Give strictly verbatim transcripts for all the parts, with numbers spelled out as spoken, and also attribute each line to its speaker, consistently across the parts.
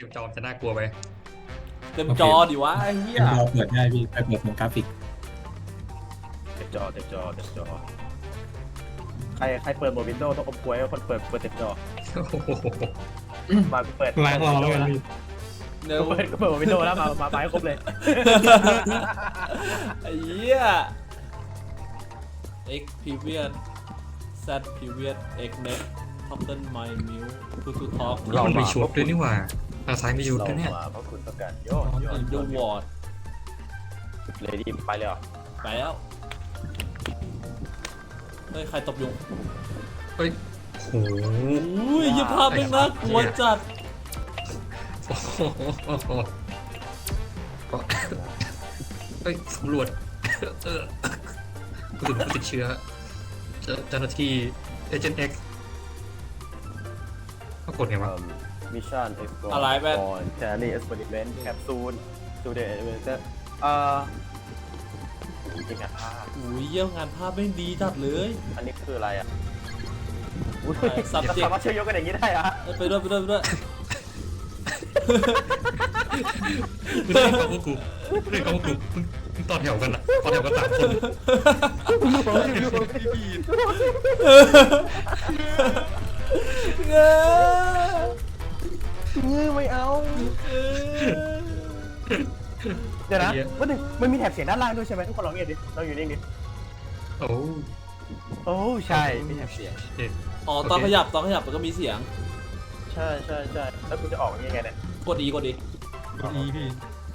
Speaker 1: อยู่จอจะน่ากลัวไป
Speaker 2: เต็มจอดิวะไอ้เหี้ย
Speaker 3: เราเปิดได้พี่ไปเปิดเป็นกราฟิก
Speaker 4: เต็มจอเต็มจอเต็มจอใครใครเปิดโหมดวินโดว์ต้องอมกล้วยคนเปิดเปิดเต็มจอมาเปิด
Speaker 3: ล้างรอแล้วกันพี่
Speaker 2: เดี๋ยว
Speaker 4: เปิดเปิดโหมดวินโดว์แล้วมามาไปให้ครบเลย
Speaker 2: ไอ้เหี้ย x previous z previous x next total my meal to to talk
Speaker 1: เราไปชุดด้วยนี่หว่าทางซ้ายมีชุด
Speaker 4: เรา
Speaker 1: ด้วยเนี่ย
Speaker 4: มาเพราะคุณต้องการโยนโยน
Speaker 2: in the ward
Speaker 4: เลยดีไปเลยเหรอ
Speaker 2: ไปแล้วเฮ้ยใครตบยุง
Speaker 1: เฮ้ยโห
Speaker 2: อุ้ยยี่ภาพไม่งน่ากลัวจัด
Speaker 1: เฮ้ยตำรวจเออรู้สึกติดเชื้อเจ้าหน้าที่เอเจนต์เอ็กซ์ปรากฏไงวะ
Speaker 4: มิชชั่นเอ็กซ์พอร์
Speaker 2: อะไรแบบ
Speaker 4: แครี่เอ็กซ์เพร์เมนต์แคปซูลสตูดิโอเอเวนเตอร์เอ่อจริงอ่ะภาพ
Speaker 2: อุ้ยเยี่ยมงานภาพไม่งดีจัดเลย
Speaker 4: อันนี้คืออะไรอ่ะอุ้ย
Speaker 2: subject
Speaker 4: สามารถเชื่อมโยงกันอย่างนี้ได้อะ
Speaker 2: ไปด้วยไปด้วยไปด้วย
Speaker 1: ไม่ได้กับพวกกูไม่ได้กับพวกกูมึงต่อแถวกันอะต่อแถวกันสามคน
Speaker 2: เงย
Speaker 4: ไม่เอาเดี๋ยวนะว่าหนึ่งมันมีแถบเสียงด้านล่างด้วยใช่ไหมทุกคนลองเงียบดิลองอยู่นิ่งดิ
Speaker 1: โอ้
Speaker 4: โอ้ใช่มีแถบเสียง
Speaker 2: อ๋อตอนขยับตอนขยับมันก็มีเสียง
Speaker 4: ใช่ใช่ใช่แล้วกูจะออกยังไงเนี่ย
Speaker 2: กดดีกดดี
Speaker 3: กดอีพี่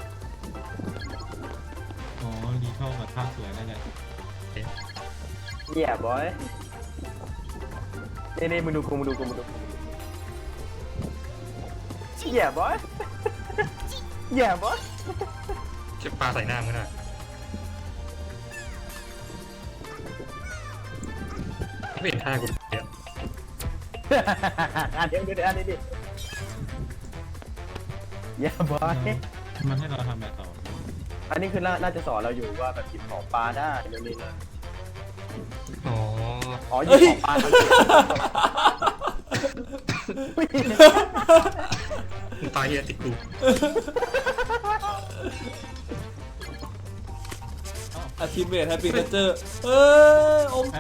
Speaker 3: อ๋อดีเข้ากับภาพสวยนั่นแหละ
Speaker 4: เหี้ยบอยนี่นี่มึงดูกูมึงดูกูมึงดูเหี้ยบอยเหี้ยบอย
Speaker 1: เก็บปลาใส่หน้ามึงนะไม่เห็นท่ากูเดี๋ยว
Speaker 4: อ่ะเดี๋ยวเดี๋ยวอันนี้ดิเหี้ยบอย
Speaker 3: มันให้เราทำแบบต่อ
Speaker 4: อันนี้คือน่าจะสอนเราอยู่ว่าแบบหยิบของปลาได้เดี๋ยวนี้นะ
Speaker 1: อ๋อ
Speaker 4: อ๋อหยิบของปลาทำ
Speaker 1: มึงตายเฮียติดกู
Speaker 2: อาชีพเมทแฮปปี้เนเจอร์เอ้ยอม
Speaker 3: ใช่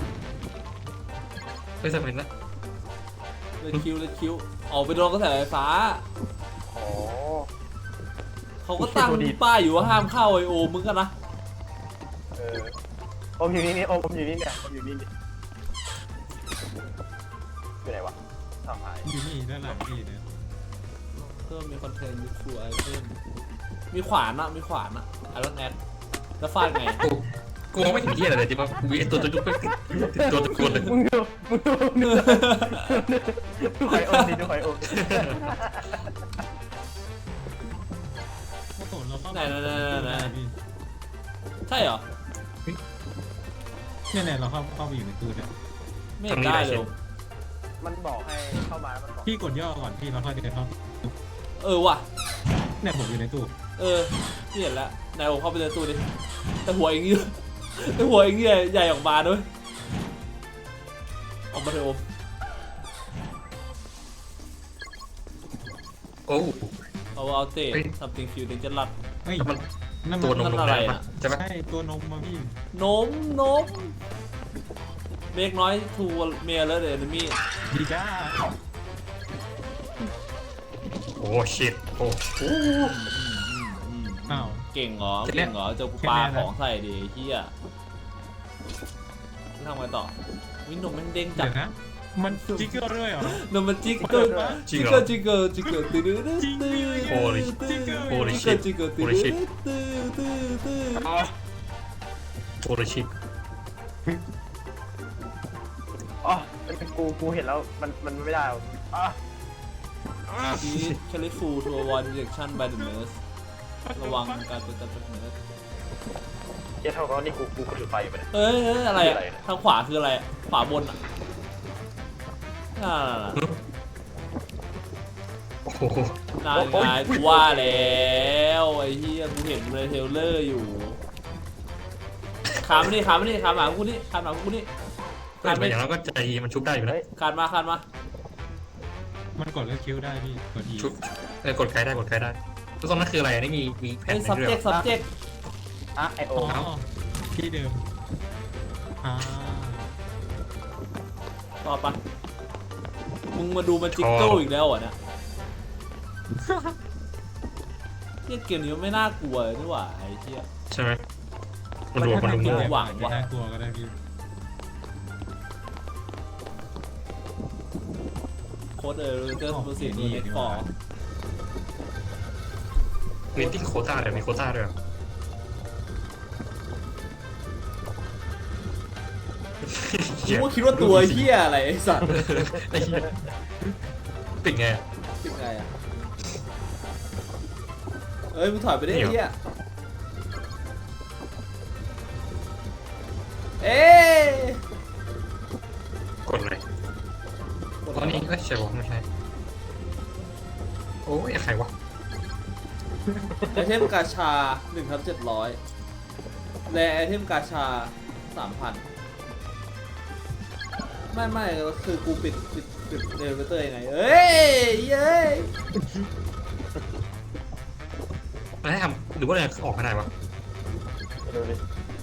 Speaker 1: ไม่สำเร็จละ
Speaker 2: เลยคิวเลยคิวออกไปโดนกระแสไฟฟ้า
Speaker 4: อ๋อ
Speaker 2: เขาก็ตั้งป้ายอยู่ว่าห้ามเข้าไอโอมึงกันนะ
Speaker 4: เอออมอยู่นี่นี่อมอมอยู่นี่เนี่ยอมอยู่นี่นี่อยู่ไหนวะทำหาย
Speaker 3: อยู่นี่ด้านหลังพี่เนี่ย
Speaker 2: เพิ่มมีคอนเทนต์ยูทูบไอเทมมีขวานอะมีขวานอะไอรอนแอดแล้วฟาดไง
Speaker 1: กูกูมองไม่ถึงที่อะไรเลยที่ว่ากูไอตัวตัวจุ๊บติดตัวตะโกนเลย
Speaker 4: มึงดูมึงดูมึงดูดูไข่อมดิดูไข่อม
Speaker 3: โอ้โหเราเข้า
Speaker 2: ไหนไหนไหนไหน
Speaker 3: พี่
Speaker 2: ใช่เหรอ
Speaker 3: เนี่ยเนี่ยเราเข้าเข้าไปอยู่ในตู้เนี่ย
Speaker 2: ไม่เห็นได้เลย
Speaker 4: มันบอกให้เข้ามามันบอก
Speaker 3: พี่กดย่อก่อนพี่เราค่อยเดินเข้า
Speaker 2: เออว่ะ
Speaker 3: เนี่ยผมอยู่ในตู้
Speaker 2: เออพี่เห็นแล้วนายโอเข้าไปในตู้ดิแต่หัวเองนี่แต่หัวเองนี่ใหญ่ออกมาด้วยออกมาเถอะโอม
Speaker 1: โอ้
Speaker 2: เอาเอาเตะ something feel dangerous
Speaker 3: เฮ้ย
Speaker 1: มัน
Speaker 3: นั่น
Speaker 1: ตัวนม
Speaker 3: มัน
Speaker 1: นม
Speaker 2: อะไร
Speaker 1: แดง
Speaker 2: น่ะ
Speaker 1: ปะใช่ไหม
Speaker 3: ใช่ตัวนมมาพี่
Speaker 2: นมนมเมกน้อยทูเมียแล้วเดนมี่
Speaker 3: ดีจ้า
Speaker 1: โอ้ชิตโอ้
Speaker 3: อ้าว
Speaker 2: เก่งเหรอ
Speaker 1: เสร็จแล้ว
Speaker 2: เก่งเหรอเจอกูปลาของใส่ดิเฮียทำไงต่อวินนมมันเด้งจั
Speaker 3: เดี๋
Speaker 2: ด
Speaker 3: ยวนะมันจิกเกอร์ด้วยเหรอน
Speaker 2: มมันจิกเกอร์จิกเกอร์จิกเกอร์จิกเกอร์ตื้อตื้อตื้อ
Speaker 1: โอ้ย
Speaker 2: จิกเกอร์
Speaker 1: โอ้ย
Speaker 2: จิกเกอร์จิกเกอร์ตื้อ
Speaker 1: โอ้ย
Speaker 2: ตื้อ
Speaker 1: shit
Speaker 2: ตื้อตื้อตื้อ
Speaker 1: โอ้ชิต
Speaker 4: อ๋อมันเป็นกูกูเห็นแล้วมันมันไม่ได้อ่ะ
Speaker 2: ทีแคลิฟูทัวร์วอร์ดิเรคชั่น by the nurse ระวังการเป็นการเป็นเนิร์ส
Speaker 4: เจ๊เท่ากับนี่กูกูถือไฟอยู่ไปเนี่ย
Speaker 2: เอ้ยเอ้ยอะไรอะทางขวาคืออะไรอะขวาบนอะน่า
Speaker 1: โอ้โห
Speaker 2: นานไงกูว่าแล้วไอ้เหี้ยกูเห็นในเทรลเลอร์อยู่ขามมานี่ขามมานี่ขามหมากูนี่ขามหมากูนี่
Speaker 1: เกิดมาอย่างนั้นก็ใจมันชุบได้อยู่นะ
Speaker 2: ขานมาขานมา
Speaker 3: มันกดเลือกคิวได้พี่กดอี
Speaker 1: ชุบเออกดไกด์ได้กดไกด์ได้ทุกคนนั่นคืออะไรนี่มีมีแผ่น
Speaker 2: ไอ้
Speaker 1: ใน
Speaker 2: subject
Speaker 1: เรื่อง
Speaker 2: subject
Speaker 4: อ่ะไอโอ
Speaker 3: อ๋อที่เดิมอ่า
Speaker 2: ต่อปะมึงมาดูมันจิกเกิลอีกแล้วเหรอเนี่ยเนี่ยเกมนี้มันไม่น่ากลัวเลยนี่หว่าไอ้เหี้ย
Speaker 1: ใช่ไหมมันรวมมันรวม
Speaker 2: มั
Speaker 1: มั่ว
Speaker 2: หวังว่ะ
Speaker 3: น่ากลัวก็ได้พี่
Speaker 2: โค้ดเออเจอร์ตัวสีนี้เน็ตฟอร์
Speaker 1: มีติ้งโคต้าเดี๋ยวมีโคต้าด้วยเหรอ
Speaker 2: กูก็คิดว่าตัวเหี้ยอะไรไอ้สัตว์
Speaker 1: ไอ้เหี้ยปิดไงอะ
Speaker 2: เป็นไงอ่ะเอ้ยมึงถอยไปได้ไอ้เหี้ยเอ๊ะ
Speaker 1: กดเลยตอนนี้เอ้ยใช่ปะไม่ใช่โอ้ยใครวะ
Speaker 2: ไอเทมกาชาหนึ่งทับเจ็ดร้อยและไอเทมกาชาสามพันไม่ไม่คือกูปิดปิดปิดเดลิเวอร์ยังไงเอ้ยเย้ย
Speaker 1: มันให้ทำหรือว่าอะไรออกมาได้วะ
Speaker 4: ดูดิ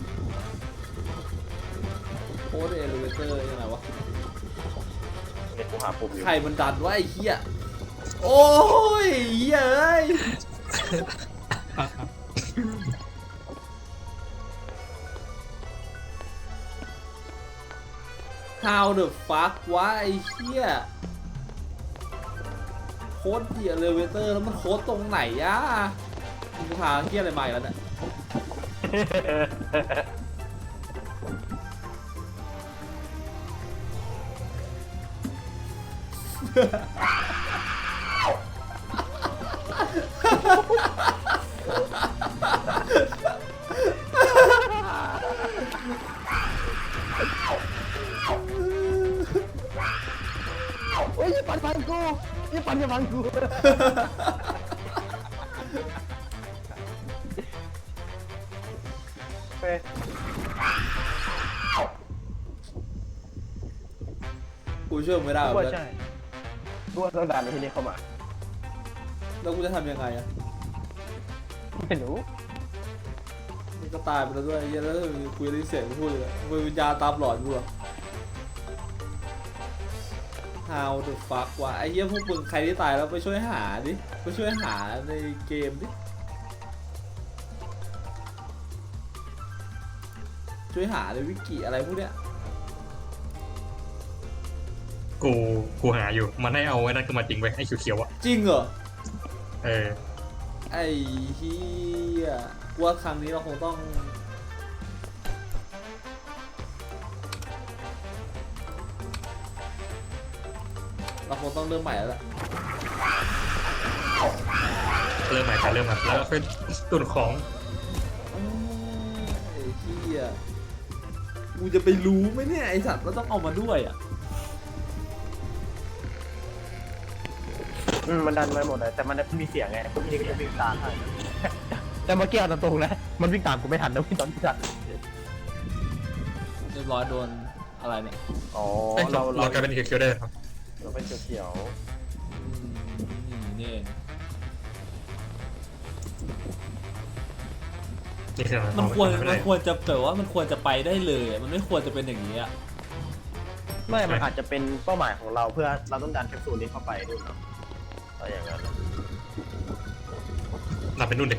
Speaker 2: โค้ดเดลิเวอร์ยังไงวะ
Speaker 4: เนี่ยกูหาปุ่มอยู่
Speaker 2: ใครมันดันวะไอ้เหี้ยโอ้ยเย้ย How the fuck วะไอ้เหี้ยโค้ดเดียเลเวเตอร์แล้วมันโค้ดตรงไหนอะมึงพาเหี้ยอะไรมาอีกแล้วเนี่ย
Speaker 4: โอ้ยปันปันกูยี่ปันอย่าปันกูเฮ้ย
Speaker 2: กูช่วยมึงไม่ได้หรอก
Speaker 4: ว่า
Speaker 2: เพื่อน
Speaker 4: ใช่กูว่าต้องดันไปที่นี่เข้ามา
Speaker 2: แล้วกูจะทำยังไงอะ
Speaker 4: ไม่รู้
Speaker 2: มันก็ตายไปแล้วด้วยไอ้เหี้ยแล้วคุยได้เสียงกูพูดเลยมึงวิญญาณตามหลอนกูเหรอ How the fuck วะไอ้เหี้ยพวกมึงใครที่ตายแล้วไปช่วยหาดิไปช่วยหาในเกมดิช่วยหาในวิกิอะไรพวกเนี้ย
Speaker 1: กูกูหาอยู่มันให้เอาไว้นั่นขึ้นมาจริงไว้ไอ้เขียวๆอ่ะ
Speaker 2: จริงเหรอ
Speaker 1: เออ
Speaker 2: ไอ้เหี้ยกูว่าครั้งนี้เราคงต้องเราคงต้องเริ่มใหม่แล้วแหละ
Speaker 1: เริ่มใหม่แต่เริ่มใหม่แล้วค่อยตุนของ
Speaker 2: อ้าวไอ้เหี้ยกูจะไปรู้ไหมเนี่ยไอสัตว์เราต้องเอามาด้วยอ่ะ
Speaker 4: อืมมันดันมาหมดเลยแต่มันมีเสียงไงกูยิงวิ่งตามให้แต่เมื่อกี้เอาตรงๆนะมันวิ่งตามกูไม่ทันนะวิ่งตอนที่ทัน
Speaker 2: เรียบร้อยโดนอะไรเนี่ย
Speaker 4: อ๋อ
Speaker 1: เอ้ยเรา
Speaker 4: เรา
Speaker 1: เรากลายเป็นเขียวๆได้ครับ
Speaker 4: เราเป็นเขียว
Speaker 2: อืมนี่เอง
Speaker 1: นี่คืออะไร
Speaker 2: มันควร
Speaker 1: ไม่
Speaker 2: มั
Speaker 1: ได้
Speaker 2: นควรจะแบบว่ามันควรจะไปได้เลยอะมันไม่ควรจะเป็นอย่างนี้อ่ะ
Speaker 4: ๆไม่มันอาจจะเป็นเป้าหมายของเราเพื่อเราต้องดันแคปซูลนี้เข้าไปด้วยเนาะอะไรอย่างนั้น
Speaker 1: นับเป็นนู่นเด็ก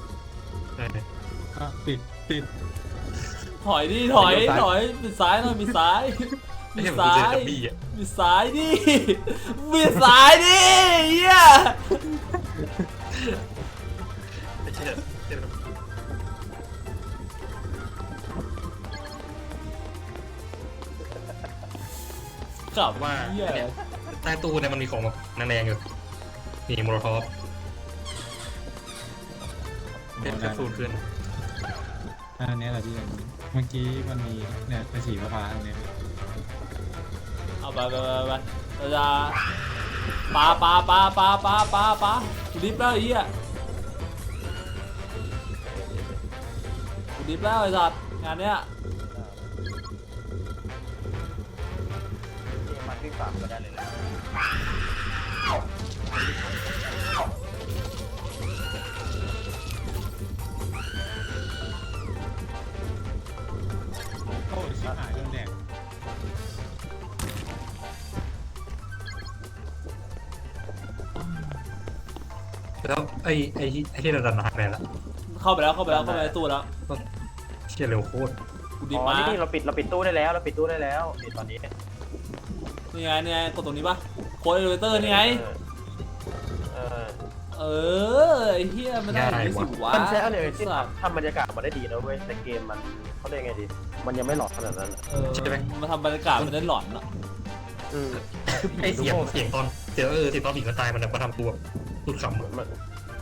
Speaker 3: อ่ะปิดปิด
Speaker 2: ถอยดิถอยถอยปิดซ้ายหน่อยปิดซ้าย
Speaker 1: ไม่
Speaker 2: ปิ
Speaker 1: ใช่
Speaker 2: ด
Speaker 1: เหมือน
Speaker 2: ซ้า
Speaker 1: กูเจ
Speaker 2: ย
Speaker 1: อดับบี้อ่ะ
Speaker 2: ปิดซ้ายดิปิดซ้ายดิเหี้ย
Speaker 1: ไม่ใช่แบบไม่ใช่แบบ
Speaker 2: กลับ
Speaker 1: ว่า
Speaker 2: เหี้ย
Speaker 1: เนี่ยใต้ตู้เนี่ยมันมีของแบบแรงๆอยู่นี่โมโลทอฟเป็นแคปซูลขึ้น
Speaker 3: อันนี้แหละพี่อันนี้เมื่อกี้มันมีเนี่ยเป็นสีฟ้าๆตรงนี้พี่
Speaker 2: เอาไปไปไปไปเราจะปาปาปาปาปาปาปากูดิฟแล้วไอ้เหี้ยกูดิฟแล้วไอ้สัตว์งานเนี้ย
Speaker 4: มันวิ่งตามก็ได้เลยแหละ
Speaker 1: แล้วไอ้ไอ้ไอ้ที่เราดันมาหายไปแล้ว
Speaker 2: เข้าไปแล้วเข้าไปแล้วเข้าไปในตู้แล้ว
Speaker 1: เชี่ยเร็วโคตร
Speaker 2: กู
Speaker 4: อ๋
Speaker 2: ดิบ
Speaker 4: อ
Speaker 2: มา
Speaker 4: นี่เราปิดเราปิดตู้ได้แล้วเราปิดตู้ได้แล้วนี่ตอนนี้
Speaker 2: นี่ไงนี่ไงกดตรงนี้ปะโค้ดเอลิเวเตอร์นี่ไง
Speaker 4: เออ
Speaker 2: เออไอ้เหี้ยมันได้อย่างนี้สิวะ
Speaker 4: มันใช้อะไรที่
Speaker 2: สัตว์
Speaker 4: ทำบรรยากาศมาได้ดีนะเว้ยแต่เกมมันเขาเรียกไงดีมันยังไม่หลอกขนาดนั้น
Speaker 2: เออมันทำบรรยากาศมันได้หลอนอะ
Speaker 4: อืม
Speaker 1: ไอ้เสียงเสียงตอนเสียงเออเสียงตอนผีมันตายมันแบบมาทำตัวสุดขำอะ
Speaker 4: มัน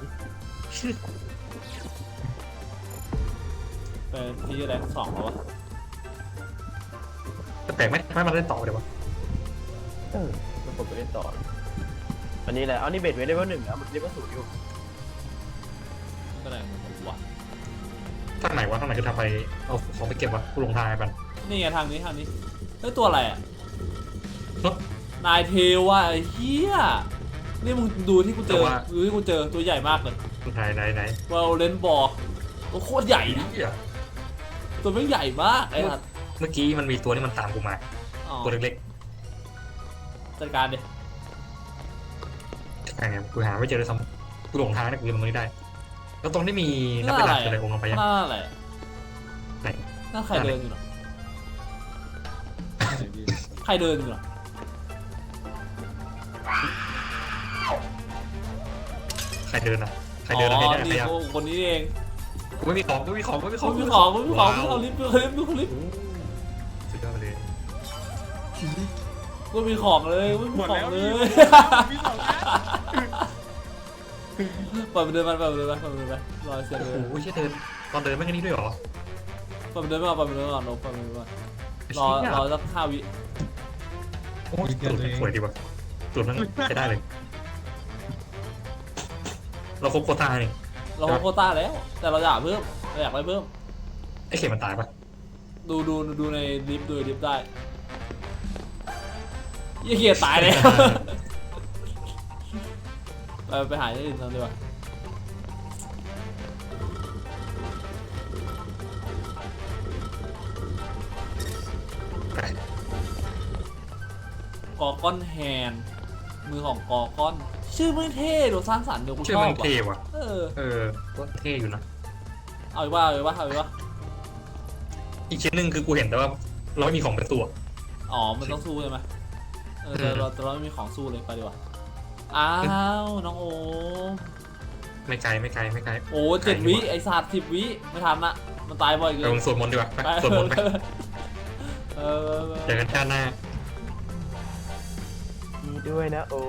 Speaker 2: เป็นที่อะไรสองแล้ววะ
Speaker 1: แต่แปลกไหมไม่มาเล่นต่อเดี๋ยววะ
Speaker 4: เออมันกดไปเล่นต่ออันนี้แหละอันนี้เบสเวทเลเวลหนึ่งอ่ะมันเลเวลศูนย์อยู่
Speaker 2: มันเป็นอะไรของวะ
Speaker 1: ทางไหนวะทางไหนคือทางไปเอาของไปเก็บวะกูลงทางไอ้ปัน
Speaker 2: นี่ไงทางนี้ทางนี้เฮ้ยตัวอะไรอะ
Speaker 1: เนาะ
Speaker 2: นายเทวะไอ้เหี้ยนี่มึงดูที่กูเจอดูที่กูเจอตัวใหญ่มากเลย
Speaker 1: ไหนไหนไหน
Speaker 2: วาเลนบอลตัวโคตรใหญ่นะ
Speaker 1: เหี้ย
Speaker 2: ตัวไม่งใหญ่มากไอ้สัส
Speaker 1: เมื่อกี้มันมีตัวที่มันตามกูมา
Speaker 2: อ๋อ
Speaker 1: ตัวเล็ก
Speaker 2: จัดการดิ
Speaker 1: ๆใช่ไงกูหาไม่เจอเลยซ้ำกูหลงทางเนี่ยกูยังตรงนี้ได้ แล้วตรงที่มีนับไปดักอะไรองค์ลงไปยัง
Speaker 2: หน้าอะไร
Speaker 1: ไหน
Speaker 2: หน้าใครเดินอยู่เนาะ
Speaker 3: ไหนพี่
Speaker 2: ใครเดินอยู่เนาะ
Speaker 1: ใครเดินนะใครเดิน
Speaker 2: อ๋
Speaker 1: อะไร
Speaker 2: อ
Speaker 1: เนี่ย
Speaker 2: นี่
Speaker 1: ใครอะ
Speaker 2: คนนี้เอง
Speaker 1: กูไม่มีของกูไม่มีของกูไม่มีข
Speaker 2: คุ
Speaker 1: อง
Speaker 2: ณพี่ของคุณพี่ของคุณ
Speaker 1: ว้าว
Speaker 2: พี่ของลิฟต์ดูลิฟต์ดูลิฟต์
Speaker 1: สุดยอดไปเลย
Speaker 2: คุณมีของเลยคุณมีของเลย
Speaker 3: มีสองนะ
Speaker 2: ปล่อยมันเดินมาปล่อยมันเดินมาปล่อยมันเดินมารอยเสียง
Speaker 1: โอ้
Speaker 2: เลย
Speaker 1: โหเชี่ยเดินตอนเดินไม่แค่นี้ด้วยเหรอ
Speaker 2: ปล่อยมันเดินมาปล่อยมันเดินมาลงปล่อยมันเดินมารอรอสักห้าวิ
Speaker 1: โอ้ยตูดมันสวยดีว่ะตูดมันใช้ได้เลย เราครบโควต้าเนี่ย
Speaker 2: เราโควต้าแล้ว แต่เราอยากเพิ่มเราอยากไปเพิ่ม
Speaker 1: ไอ้เข็มมันตายปะ
Speaker 2: ดูดูดูในลิฟต์ดูในลิฟต์ได้ยี่เกียตายแล้ว ไปไปหาที่อื่นทำดีกว่า กอก้อนแฮนมือของกอก้อน ชื่อไม่เท่หรือสร้างสรรค์เดี๋ยวกู
Speaker 1: ชื่
Speaker 2: ช
Speaker 1: อ
Speaker 2: อบ
Speaker 1: มันเท่
Speaker 2: ว่ะ
Speaker 1: ว่ะ
Speaker 2: เออ
Speaker 1: เออก็เท่อยู่นะ
Speaker 2: เอาอีกว่าเอาอีกว่าเอาอีกว่า
Speaker 1: อีกชิ้นหนึ่งคือกูเห็นแต่ว่าเราไม่มีของเป็นตัว
Speaker 2: อ๋อมันต้องสู้ใช่ไหมเออแต่เราแต่เราไม่มีของสู้เลยไปดีกว่าอ้าวน้องโอม
Speaker 1: ไม่ไกลไม่ไกลไม่ไกล
Speaker 2: โอ้เจ็ดวิไอศาสตร์สิบวิไม่ทันละมันตายบ่อยเกิ
Speaker 1: ไป
Speaker 2: น
Speaker 1: ลงสวดมนต์ดีกว่าไป
Speaker 2: ไป
Speaker 1: สวดมนต์ไป
Speaker 2: เออ
Speaker 1: เจอกันชาติหน้า
Speaker 4: ดีด้วยนะโอ้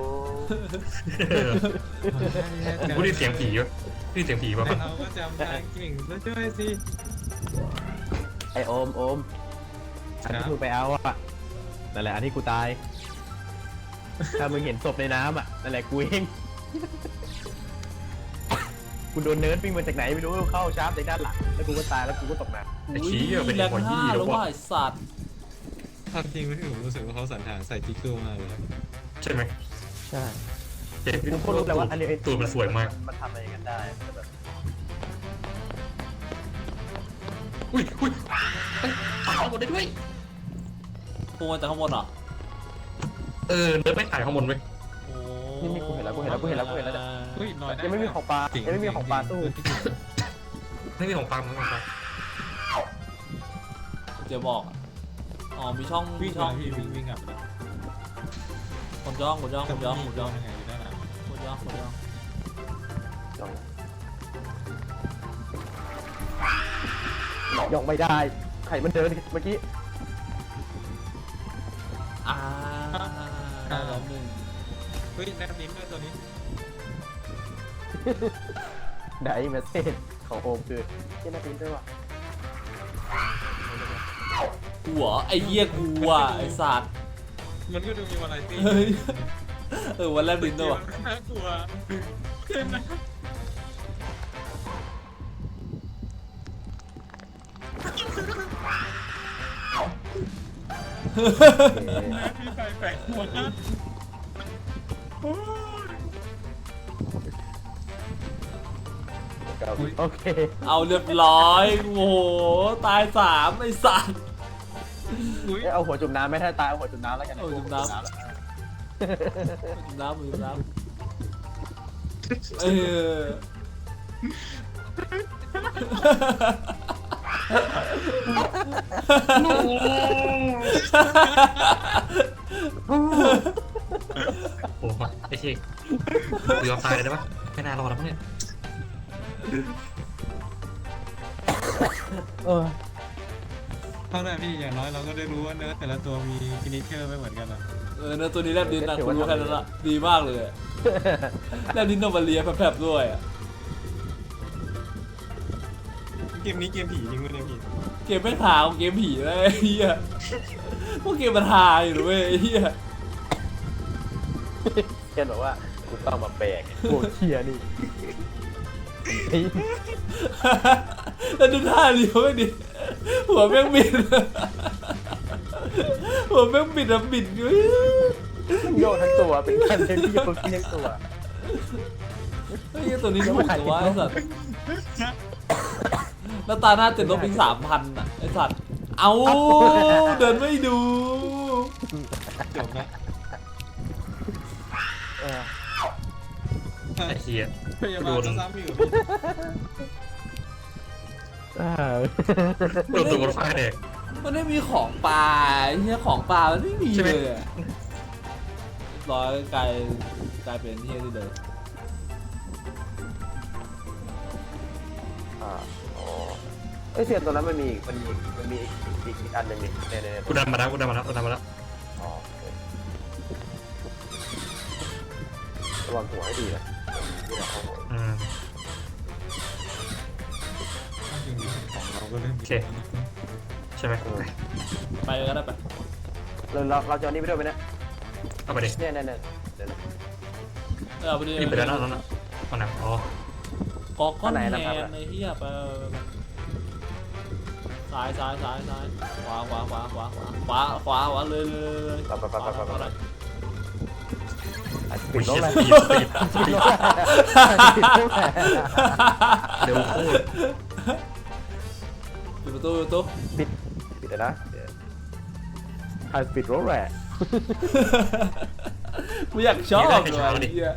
Speaker 1: กูได้เสียงผีวะได้เสียงผีป่ะ
Speaker 3: แต่เราก็จำทางเก่งแล้วช่วยสิ
Speaker 4: ไอโอมโอมอันที่มึงไปเอาอ่ะนั่นแหละอันที่กูตายถ้ามึงเห็นศพในน้ำอ่ะนั่นแหละกูเองกูโดนเนิร์ดวิ่งมาจากไหนไม่รู้เข้าชาร์จในด้านหลังแล้วกูก็ตายแล้วกูก็ตกน้ำ
Speaker 1: ไอ้ชี้อะเป็น
Speaker 2: แร
Speaker 1: ไอ้
Speaker 2: ง
Speaker 1: คน
Speaker 2: ห้า
Speaker 1: ที่
Speaker 2: แล้
Speaker 1: แล้ว ว
Speaker 2: ว่า
Speaker 1: ว่า
Speaker 2: ไอสัตว์
Speaker 3: ความจริงไม่ถึงผมรู้สึกว่าเขาสรรหาใส่จิ๊กเกอร์มาเลยครับ
Speaker 1: ใช่ไหม
Speaker 4: ใช่
Speaker 1: เจ็บ
Speaker 4: กูก็รู้แล้วว่าอันนี้ไอ้
Speaker 1: ตูดมันสวยมาก
Speaker 4: มันทำอะไรกันได้แต่แบบ
Speaker 1: อุ้ยอุ้ยเอ้ยถ่ายข้างบนได้ด้วย
Speaker 2: พุ่งมาจากข้างบนเหรอ
Speaker 1: เออเนิร์ดไม่ถ่ายข้างบนไว้ย
Speaker 2: โอ้
Speaker 4: นี่นี่กูเห็นแล้วกูเห็นแล้วกูเห็นแล้วกูเห็นแล้วเนี่ย
Speaker 3: เฮ้ยลอยได้
Speaker 4: ยังไม่มีของปลายังไม่มีของปลาตู้
Speaker 1: ไม่มีของฟังไม่มีของฟัง
Speaker 2: เดี๋ยวบอกอะอ๋อมีช่องมี
Speaker 3: วิ่ง
Speaker 2: ช่
Speaker 3: มา
Speaker 2: อง
Speaker 3: พี่วิ่งวิ่งกลับแล้ว
Speaker 2: คนย่องคนย่องคนย่องคนย่อง
Speaker 3: ยังไงอยู่ด้านหลัง
Speaker 2: คนย่องคนย่อง
Speaker 4: ย่องไม่ได้ไข่มันเดินเมื่อกี้
Speaker 2: อ่าแล้วหนึ่ง
Speaker 3: เฮ้ยแนบนิ้มด้วยตัวนี้
Speaker 4: ไดเมสเซจของโอมคือที่น่าพิมพ์ด้วยว่ะ
Speaker 2: กูเหรอไอ้เหี้ยกูอ่ะไอ้สัตว์
Speaker 3: มันก็ดูมีวาไรตี้
Speaker 2: เฮ้ยเออวันแรกดินด้วยว่ะ
Speaker 3: น่ากลัวเกินนะพี่ไฟแปลกหัว
Speaker 4: โอเค
Speaker 2: เอาเรียบร้อยโอ้โหตายสามไอ้สัตว์
Speaker 3: อุ้ย
Speaker 4: เอาหัวจุ่มน้ำไม่ถ้าตายเอาหัวจุ่มน้ำแล้วกัน
Speaker 2: เอาจุ่มน้ำ จุ่มน้ำจุ่มน้เออ
Speaker 1: โอ้โหไอ้เชี่ยกูยอมตายเลยได้ปะไม่น่ารอดแล้วมั้งเนี่ย
Speaker 4: เออ
Speaker 3: เท่านั้นพี่อย่างน้อยเราก็ได้รู้ว่าเนื้อแต่ละตัวมีฟินิชเชอร์ไม่เหมือนกันอะ
Speaker 2: เออเนื้อตัวนี้แลบดินนะคุณรู้แค่นั้นละดีมากเลยอะแลบดินโนมาเลียแผลบๆด้วยอะ
Speaker 3: เกมนี้เกมผีจริงไหมเนี่ยพี่
Speaker 2: เกมไม่หาของเกมผีเลยไอ้เฮียพวกเกมมันหาอยู่นะเว้ยไอ้เฮีย
Speaker 4: เช่นบอกว่ากูต้องมาแบกโอ้เชียนี่
Speaker 2: แล้วดูท่าเลี้ยวไม่ดิหัวแม่งบิดหัวแม่งบิดอะบิดอยู่
Speaker 4: โยกทั้งตัวเป็นการเล่นที่โยกทั้งตัว
Speaker 2: ไอ้เหี้ยตัวนี้ถูกจังวะไอ้สัตว์แล้วตาหน้าติดลบอีกสามพันอ่ะไอ้สัตว์เอาเดินไม่ดู
Speaker 3: จบนะ
Speaker 4: เออ
Speaker 1: ไอ้เชี่ย
Speaker 3: พยาบาลซ้ำๆอยู่พี่
Speaker 4: อ่า
Speaker 1: โดนตัวรถไฟแดก
Speaker 2: มันไม่มีของป่าไอ้เหี้ยของป่ามันไม่มี
Speaker 1: ใช่ไหม
Speaker 2: เลยอะร้อยกลายกลายเป็นเหี้ยที่เลย
Speaker 4: อ่าอ๋อไอเสียงตัวนั้นมันมีมันมีมันมีอีกอีกอันหนึ่งนี่เนี่ยเนี่ย
Speaker 1: กูดันมาแล้วกูดันมาแล้วกูดันมาแล้ว
Speaker 4: อ๋อระวังหัวให้ดีนะนี่แหละเอาหัว
Speaker 1: อืม
Speaker 3: จริงๆของเราก็เริ่ม
Speaker 1: โอเค ใช่ไหม
Speaker 2: ไปเลยก็ได้ไป
Speaker 4: เราเราเราจะเอานี่ไปด้วยไหมเนี่ย
Speaker 1: เอาไปดิ
Speaker 4: เนี่ยเนี่ยเนี่ยเดี๋ยวนะ
Speaker 2: เออเอาไปดิ
Speaker 1: นี่ไปแล้วนะนั่นน่ะมันหนักอ๋อก
Speaker 2: อกก้อนแฮ
Speaker 4: อันไหน
Speaker 2: น
Speaker 4: นะครับ
Speaker 2: ไอ้เหี้ยไปซ้ายซ้ายซ้ายซ้ายขวาขวาขวาขวาขวาขวาขวาขวาเลยเลยเลย
Speaker 4: ไปไปไปไปไปไป
Speaker 1: อุ้
Speaker 4: ปิ
Speaker 1: ย
Speaker 4: ดรถ
Speaker 1: เชี่ย
Speaker 4: เลย
Speaker 1: สปีดสปีด
Speaker 4: ปิดรถปิดรถ
Speaker 1: เร็วโคตร
Speaker 2: ปิดประตูปิดประตู
Speaker 4: ปิดปิดเลยนะไฮสปีดรถแหละ
Speaker 2: กูอยากชอบเลยไอ้เหี้ย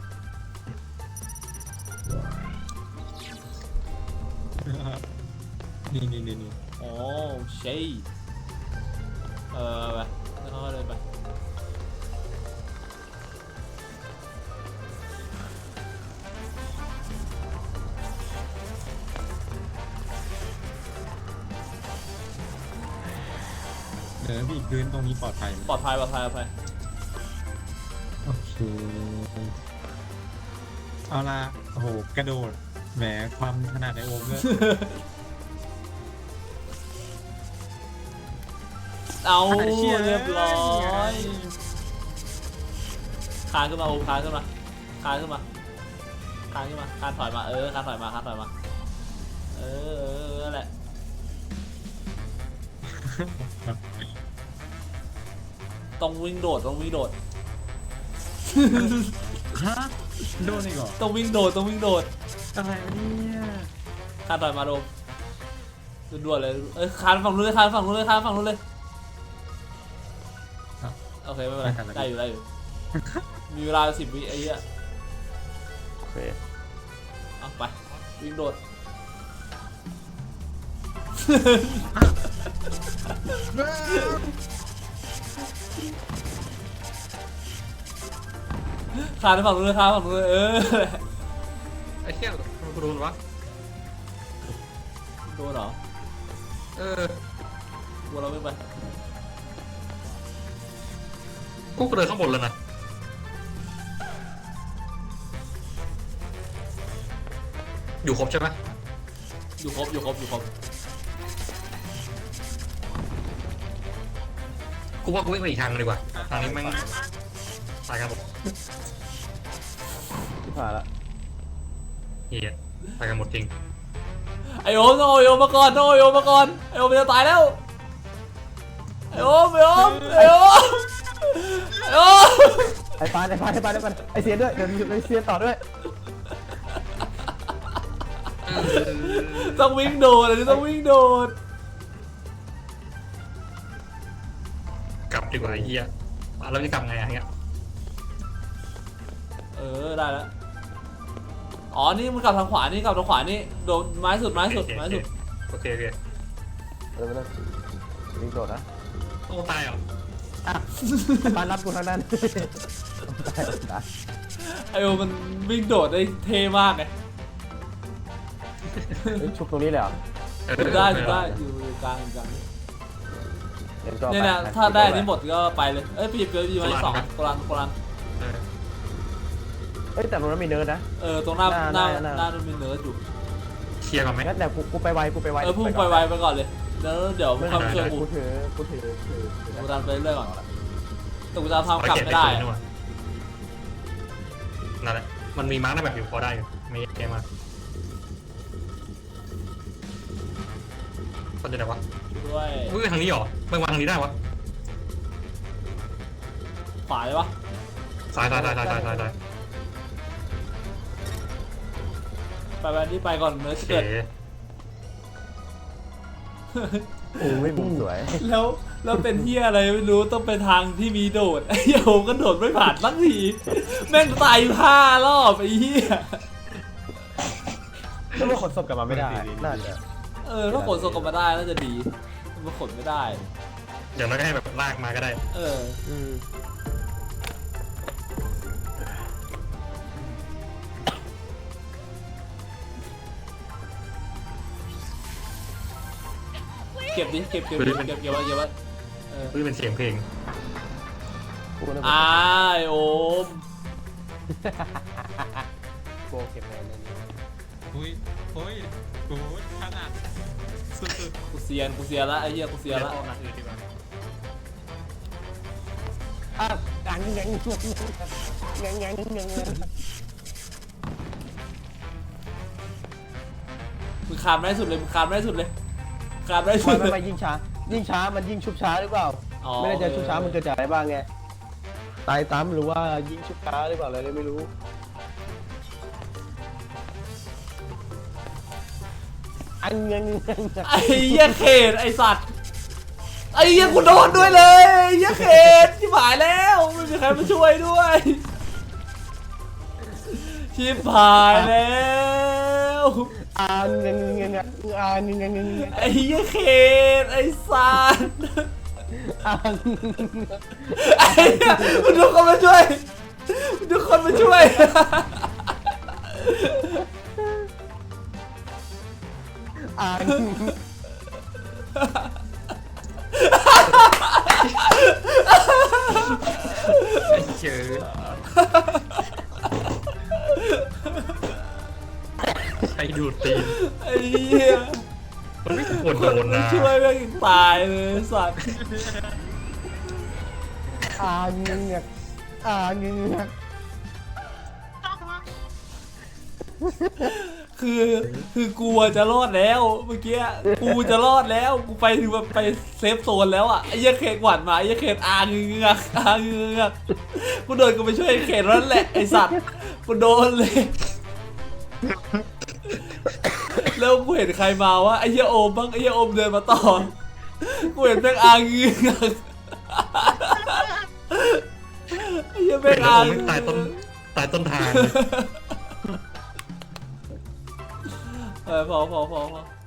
Speaker 3: นี่นี่นี่นี่
Speaker 2: โอ้เชยเออไปแล้วเขาเลยไป
Speaker 3: เดี๋ยวพี่พื้นตรงนี้ปลอดภัยไหม
Speaker 2: ปลอดภัยปลอดภัยปลอดภัย
Speaker 3: โอเคเอาละโอ้โหกระโดดแหมความขนาดในโอมเลย
Speaker 2: เอาเรียบร้อยคานขึ้นมาโอ้คานขึ้นมาคานขึ้นมาคานขึ้นมาคานถอยมาเออคานถอยมาคานถอยมาเออเออนั่นแหละต้องวิ่งโดดต้องวิ่งโดด
Speaker 3: ฮะโดนอีกเหรอ
Speaker 2: ต้องวิ่งโดดต้องวิ่งโดด
Speaker 3: อะไรวะเนี่ย
Speaker 2: คานถอยมาโดมด่วนๆเลยเอ้ยคานฝั่งนู้นเลยคานฝั่งนู้นเลยคานฝั่งนู้นเลยโอเคไม่เป็นไรได้อยู่ได้อยู่มีเวลาสิบวิไอ้เหี้ย
Speaker 4: โอเค
Speaker 2: เอาไปวิ่งโดดคานฝั่งนู้นเลยคานฝั่งนู้นเลยเออ
Speaker 1: ไอ้เชี่ยมันกูโดนวะ
Speaker 2: โดนเหรอ
Speaker 1: เออ
Speaker 2: วัวเราไม่ไป
Speaker 1: กูก็เดินข้างบนแล้วนะอยู่ครบใช่ไหม
Speaker 2: อยู่ครบอยู่ครบอยู่ครบ
Speaker 1: กูว่ากูวิ่งไปอีกทางนึงดีกว่าทางนี้แม่งตายกันหมด
Speaker 4: ที่ผ่านละ
Speaker 1: เฮียตายกันหมดจริง
Speaker 2: ไอโอมต้องเอาไอโอมมาก่อนต้องเอาไอโอมมาก่อนไอโอมมันจะตายแล้วไอโอมไอโอมไอโอมไอโอม
Speaker 4: ไอ้ปานไอ้ปานไอ้ปานไอ้ปานไอ้เสียนด้วยเดี๋ยวไอ้เสียนต่อด้วย
Speaker 2: ต้องวิ่งโดดอันนี้ต้องวิ่งโดด
Speaker 1: กลับดีกว่าไอ้เฮียเราจะกลับไงอะเงี้ย
Speaker 2: เออได้แล้วอ๋อนี่มึงกลับทางขวานี่กลับทางขวานี่โดนไม้สุดไม้สุดไม้สุด
Speaker 1: โอเคโอเค
Speaker 5: เออไม่ต้องวิ่งโดดนะ
Speaker 1: ต้องตายเหรอ
Speaker 5: ปานรับกูทางนั้นตายตาย
Speaker 2: ไอโอมันวิ่งโดดได้เท่มากไง
Speaker 5: เฮ้ยชุบตรงนี้เลยเหรอ
Speaker 2: ดูได้ดูได้อยู่กลางอยู่กลาง
Speaker 5: เดี๋ยวจอ
Speaker 2: เนี่ยนะ
Speaker 5: ไป
Speaker 2: ถ้าได้อันนี้หมดก็ไปเลยเอ้ยพี่เปียวอยู่ไว้สองกลันกลัน
Speaker 1: เออ
Speaker 5: เอ้ยแต่ตรงนั้นมีเนิร์ดนะ
Speaker 2: เออตรงหน้าห
Speaker 5: ห
Speaker 2: น้า
Speaker 5: น้าหน้า
Speaker 2: หน้ามันมีเนิร์ดอยู่
Speaker 1: เคลียร์ก่อนไหม
Speaker 5: งั้นแต่กูกูไปไวกูไปไว
Speaker 2: เออพุ่งไปไวไปก่อนเลยแล้วเดี๋ยวมึง
Speaker 5: ไม่
Speaker 2: เข้ามาช่วยกู
Speaker 5: กูถือกูถือถือถือ
Speaker 2: กูดันไปเรื่อยก่อนแต่กูจะทำกลับไม่ได้
Speaker 1: เอาเก็บปตัวนั่นแหละมันมีมาร์กในแบบอยู่พอได้อยู่ไม่แย่มากคนจะไหนวะ
Speaker 2: ด้วย
Speaker 1: เฮ้ยทางนี้เหรอไม่วางทางนี้ได้วะ
Speaker 2: ขวาเลยปะ
Speaker 1: ซ้ายซ้ายซ้ายซ้ายซ้ายซ้ายซ้าย
Speaker 2: ไปไปนี่ไปก่อนเนิร์ด
Speaker 1: โอเค
Speaker 2: เกิด
Speaker 5: โอ้ยมุมสวย
Speaker 2: แล้วแล้วเป็นเฮียอะไรไม่รู้ต้องไปทางที่มีโดดไอ้โยมก็โดดไม่ผ่านสักทีแม่งตายอยู่ห้ารอบไอ้เฮีย
Speaker 5: แล้วมันขนศพกลับมาไม่ได้น่าจะ
Speaker 2: เออถ้าขนส่งกลับมาได้น่าจะดีมันขนไม่ได้
Speaker 1: อย่างน้อยก็ให้แบบลากมาก็ได้
Speaker 2: เออ
Speaker 5: อืม
Speaker 2: เก็บดิเก็บเก็บเก็บเก็บเก็บไว้เก็บไว้เออ
Speaker 1: เฮ้ยเป็นเสียงเพลง
Speaker 5: กูนึก
Speaker 2: อ่า
Speaker 5: ว่า
Speaker 2: ไอโอม
Speaker 5: โกเก็บแมนเลยนี่
Speaker 3: อุ้ยโอ้ยโอ้ยขนาดสุด
Speaker 2: กูเซียนกูเซียนละไอ้เหี้ยกูเซียนละ
Speaker 1: ออกหนักอื่นดีกว่า
Speaker 5: อ่ะดังยังยังยังยังยัง
Speaker 2: มึงคามได้สุดเลยมึงคามได้สุดเลยคามได้สุ
Speaker 5: ไม่
Speaker 2: ด
Speaker 5: ไม่
Speaker 2: เล
Speaker 5: ไม่
Speaker 2: ย
Speaker 5: ยิ่งช้ายิ่งช้ามันยิ่งชุบช้าหรือเปล่า
Speaker 2: อ๋อ
Speaker 5: ไม่ได้จะชุบช้ามันเกิดจากอะไรบ้างไงตายตามหรือว่ายิงชุบช้าหรือเปล่าอะไรเลยไม่รู้อันยังยัง
Speaker 2: ไอ้เหี้ยเขตไอ้สัตว์ไอ้เหี้ยกูโดนด้วยเลยไอ้เหี้ยเขตชิบหายแล้วไม่มีใครมาช่วยด้วยชิบหายแล้ว
Speaker 5: อันยังยังอันยังยัง
Speaker 2: ไอ้เหี้ยเขตไอ้สัตว์
Speaker 5: อัน
Speaker 2: ไอ้เหี้ยมันทุกคนมาช่วยมันทุกคนมาช่วย
Speaker 5: อัน
Speaker 1: ไอ้เจอใครดูดตีน
Speaker 2: ไอ้เหี้ย
Speaker 1: มันไม่ควร
Speaker 2: ค
Speaker 1: โด
Speaker 2: น
Speaker 1: น
Speaker 2: มา
Speaker 1: นะ
Speaker 2: ช่วยแม่งยังตายเลยสัตว์
Speaker 5: อันยังอันยัง
Speaker 2: คือคือกูอะจะรอดแล้วเมื่อกี้กูจะรอดแล้วกูไปถึงแบบไปเซฟโซนแล้วอ่ะไอ้เหี้ยเขตหวานมาไอ้เหี้ยเขตอาเงือกอาเงือกกูโดนกูไปช่วยไอ้เขตนั่นแหละไอ้สัตว์กูโดนเลยแล้วกูเห็นใครมาวะไอ้เหี้ยโอมบ้างไอ้เหี้ยโอมเดินมาต่อกูเห็นแม่งอาเงือกไอ้เหี้ยแม่งอา
Speaker 1: ผม
Speaker 2: เงื
Speaker 1: ไม่
Speaker 2: อก
Speaker 1: ตายต้นตายต้นทาง
Speaker 2: เออพอพอพอพอ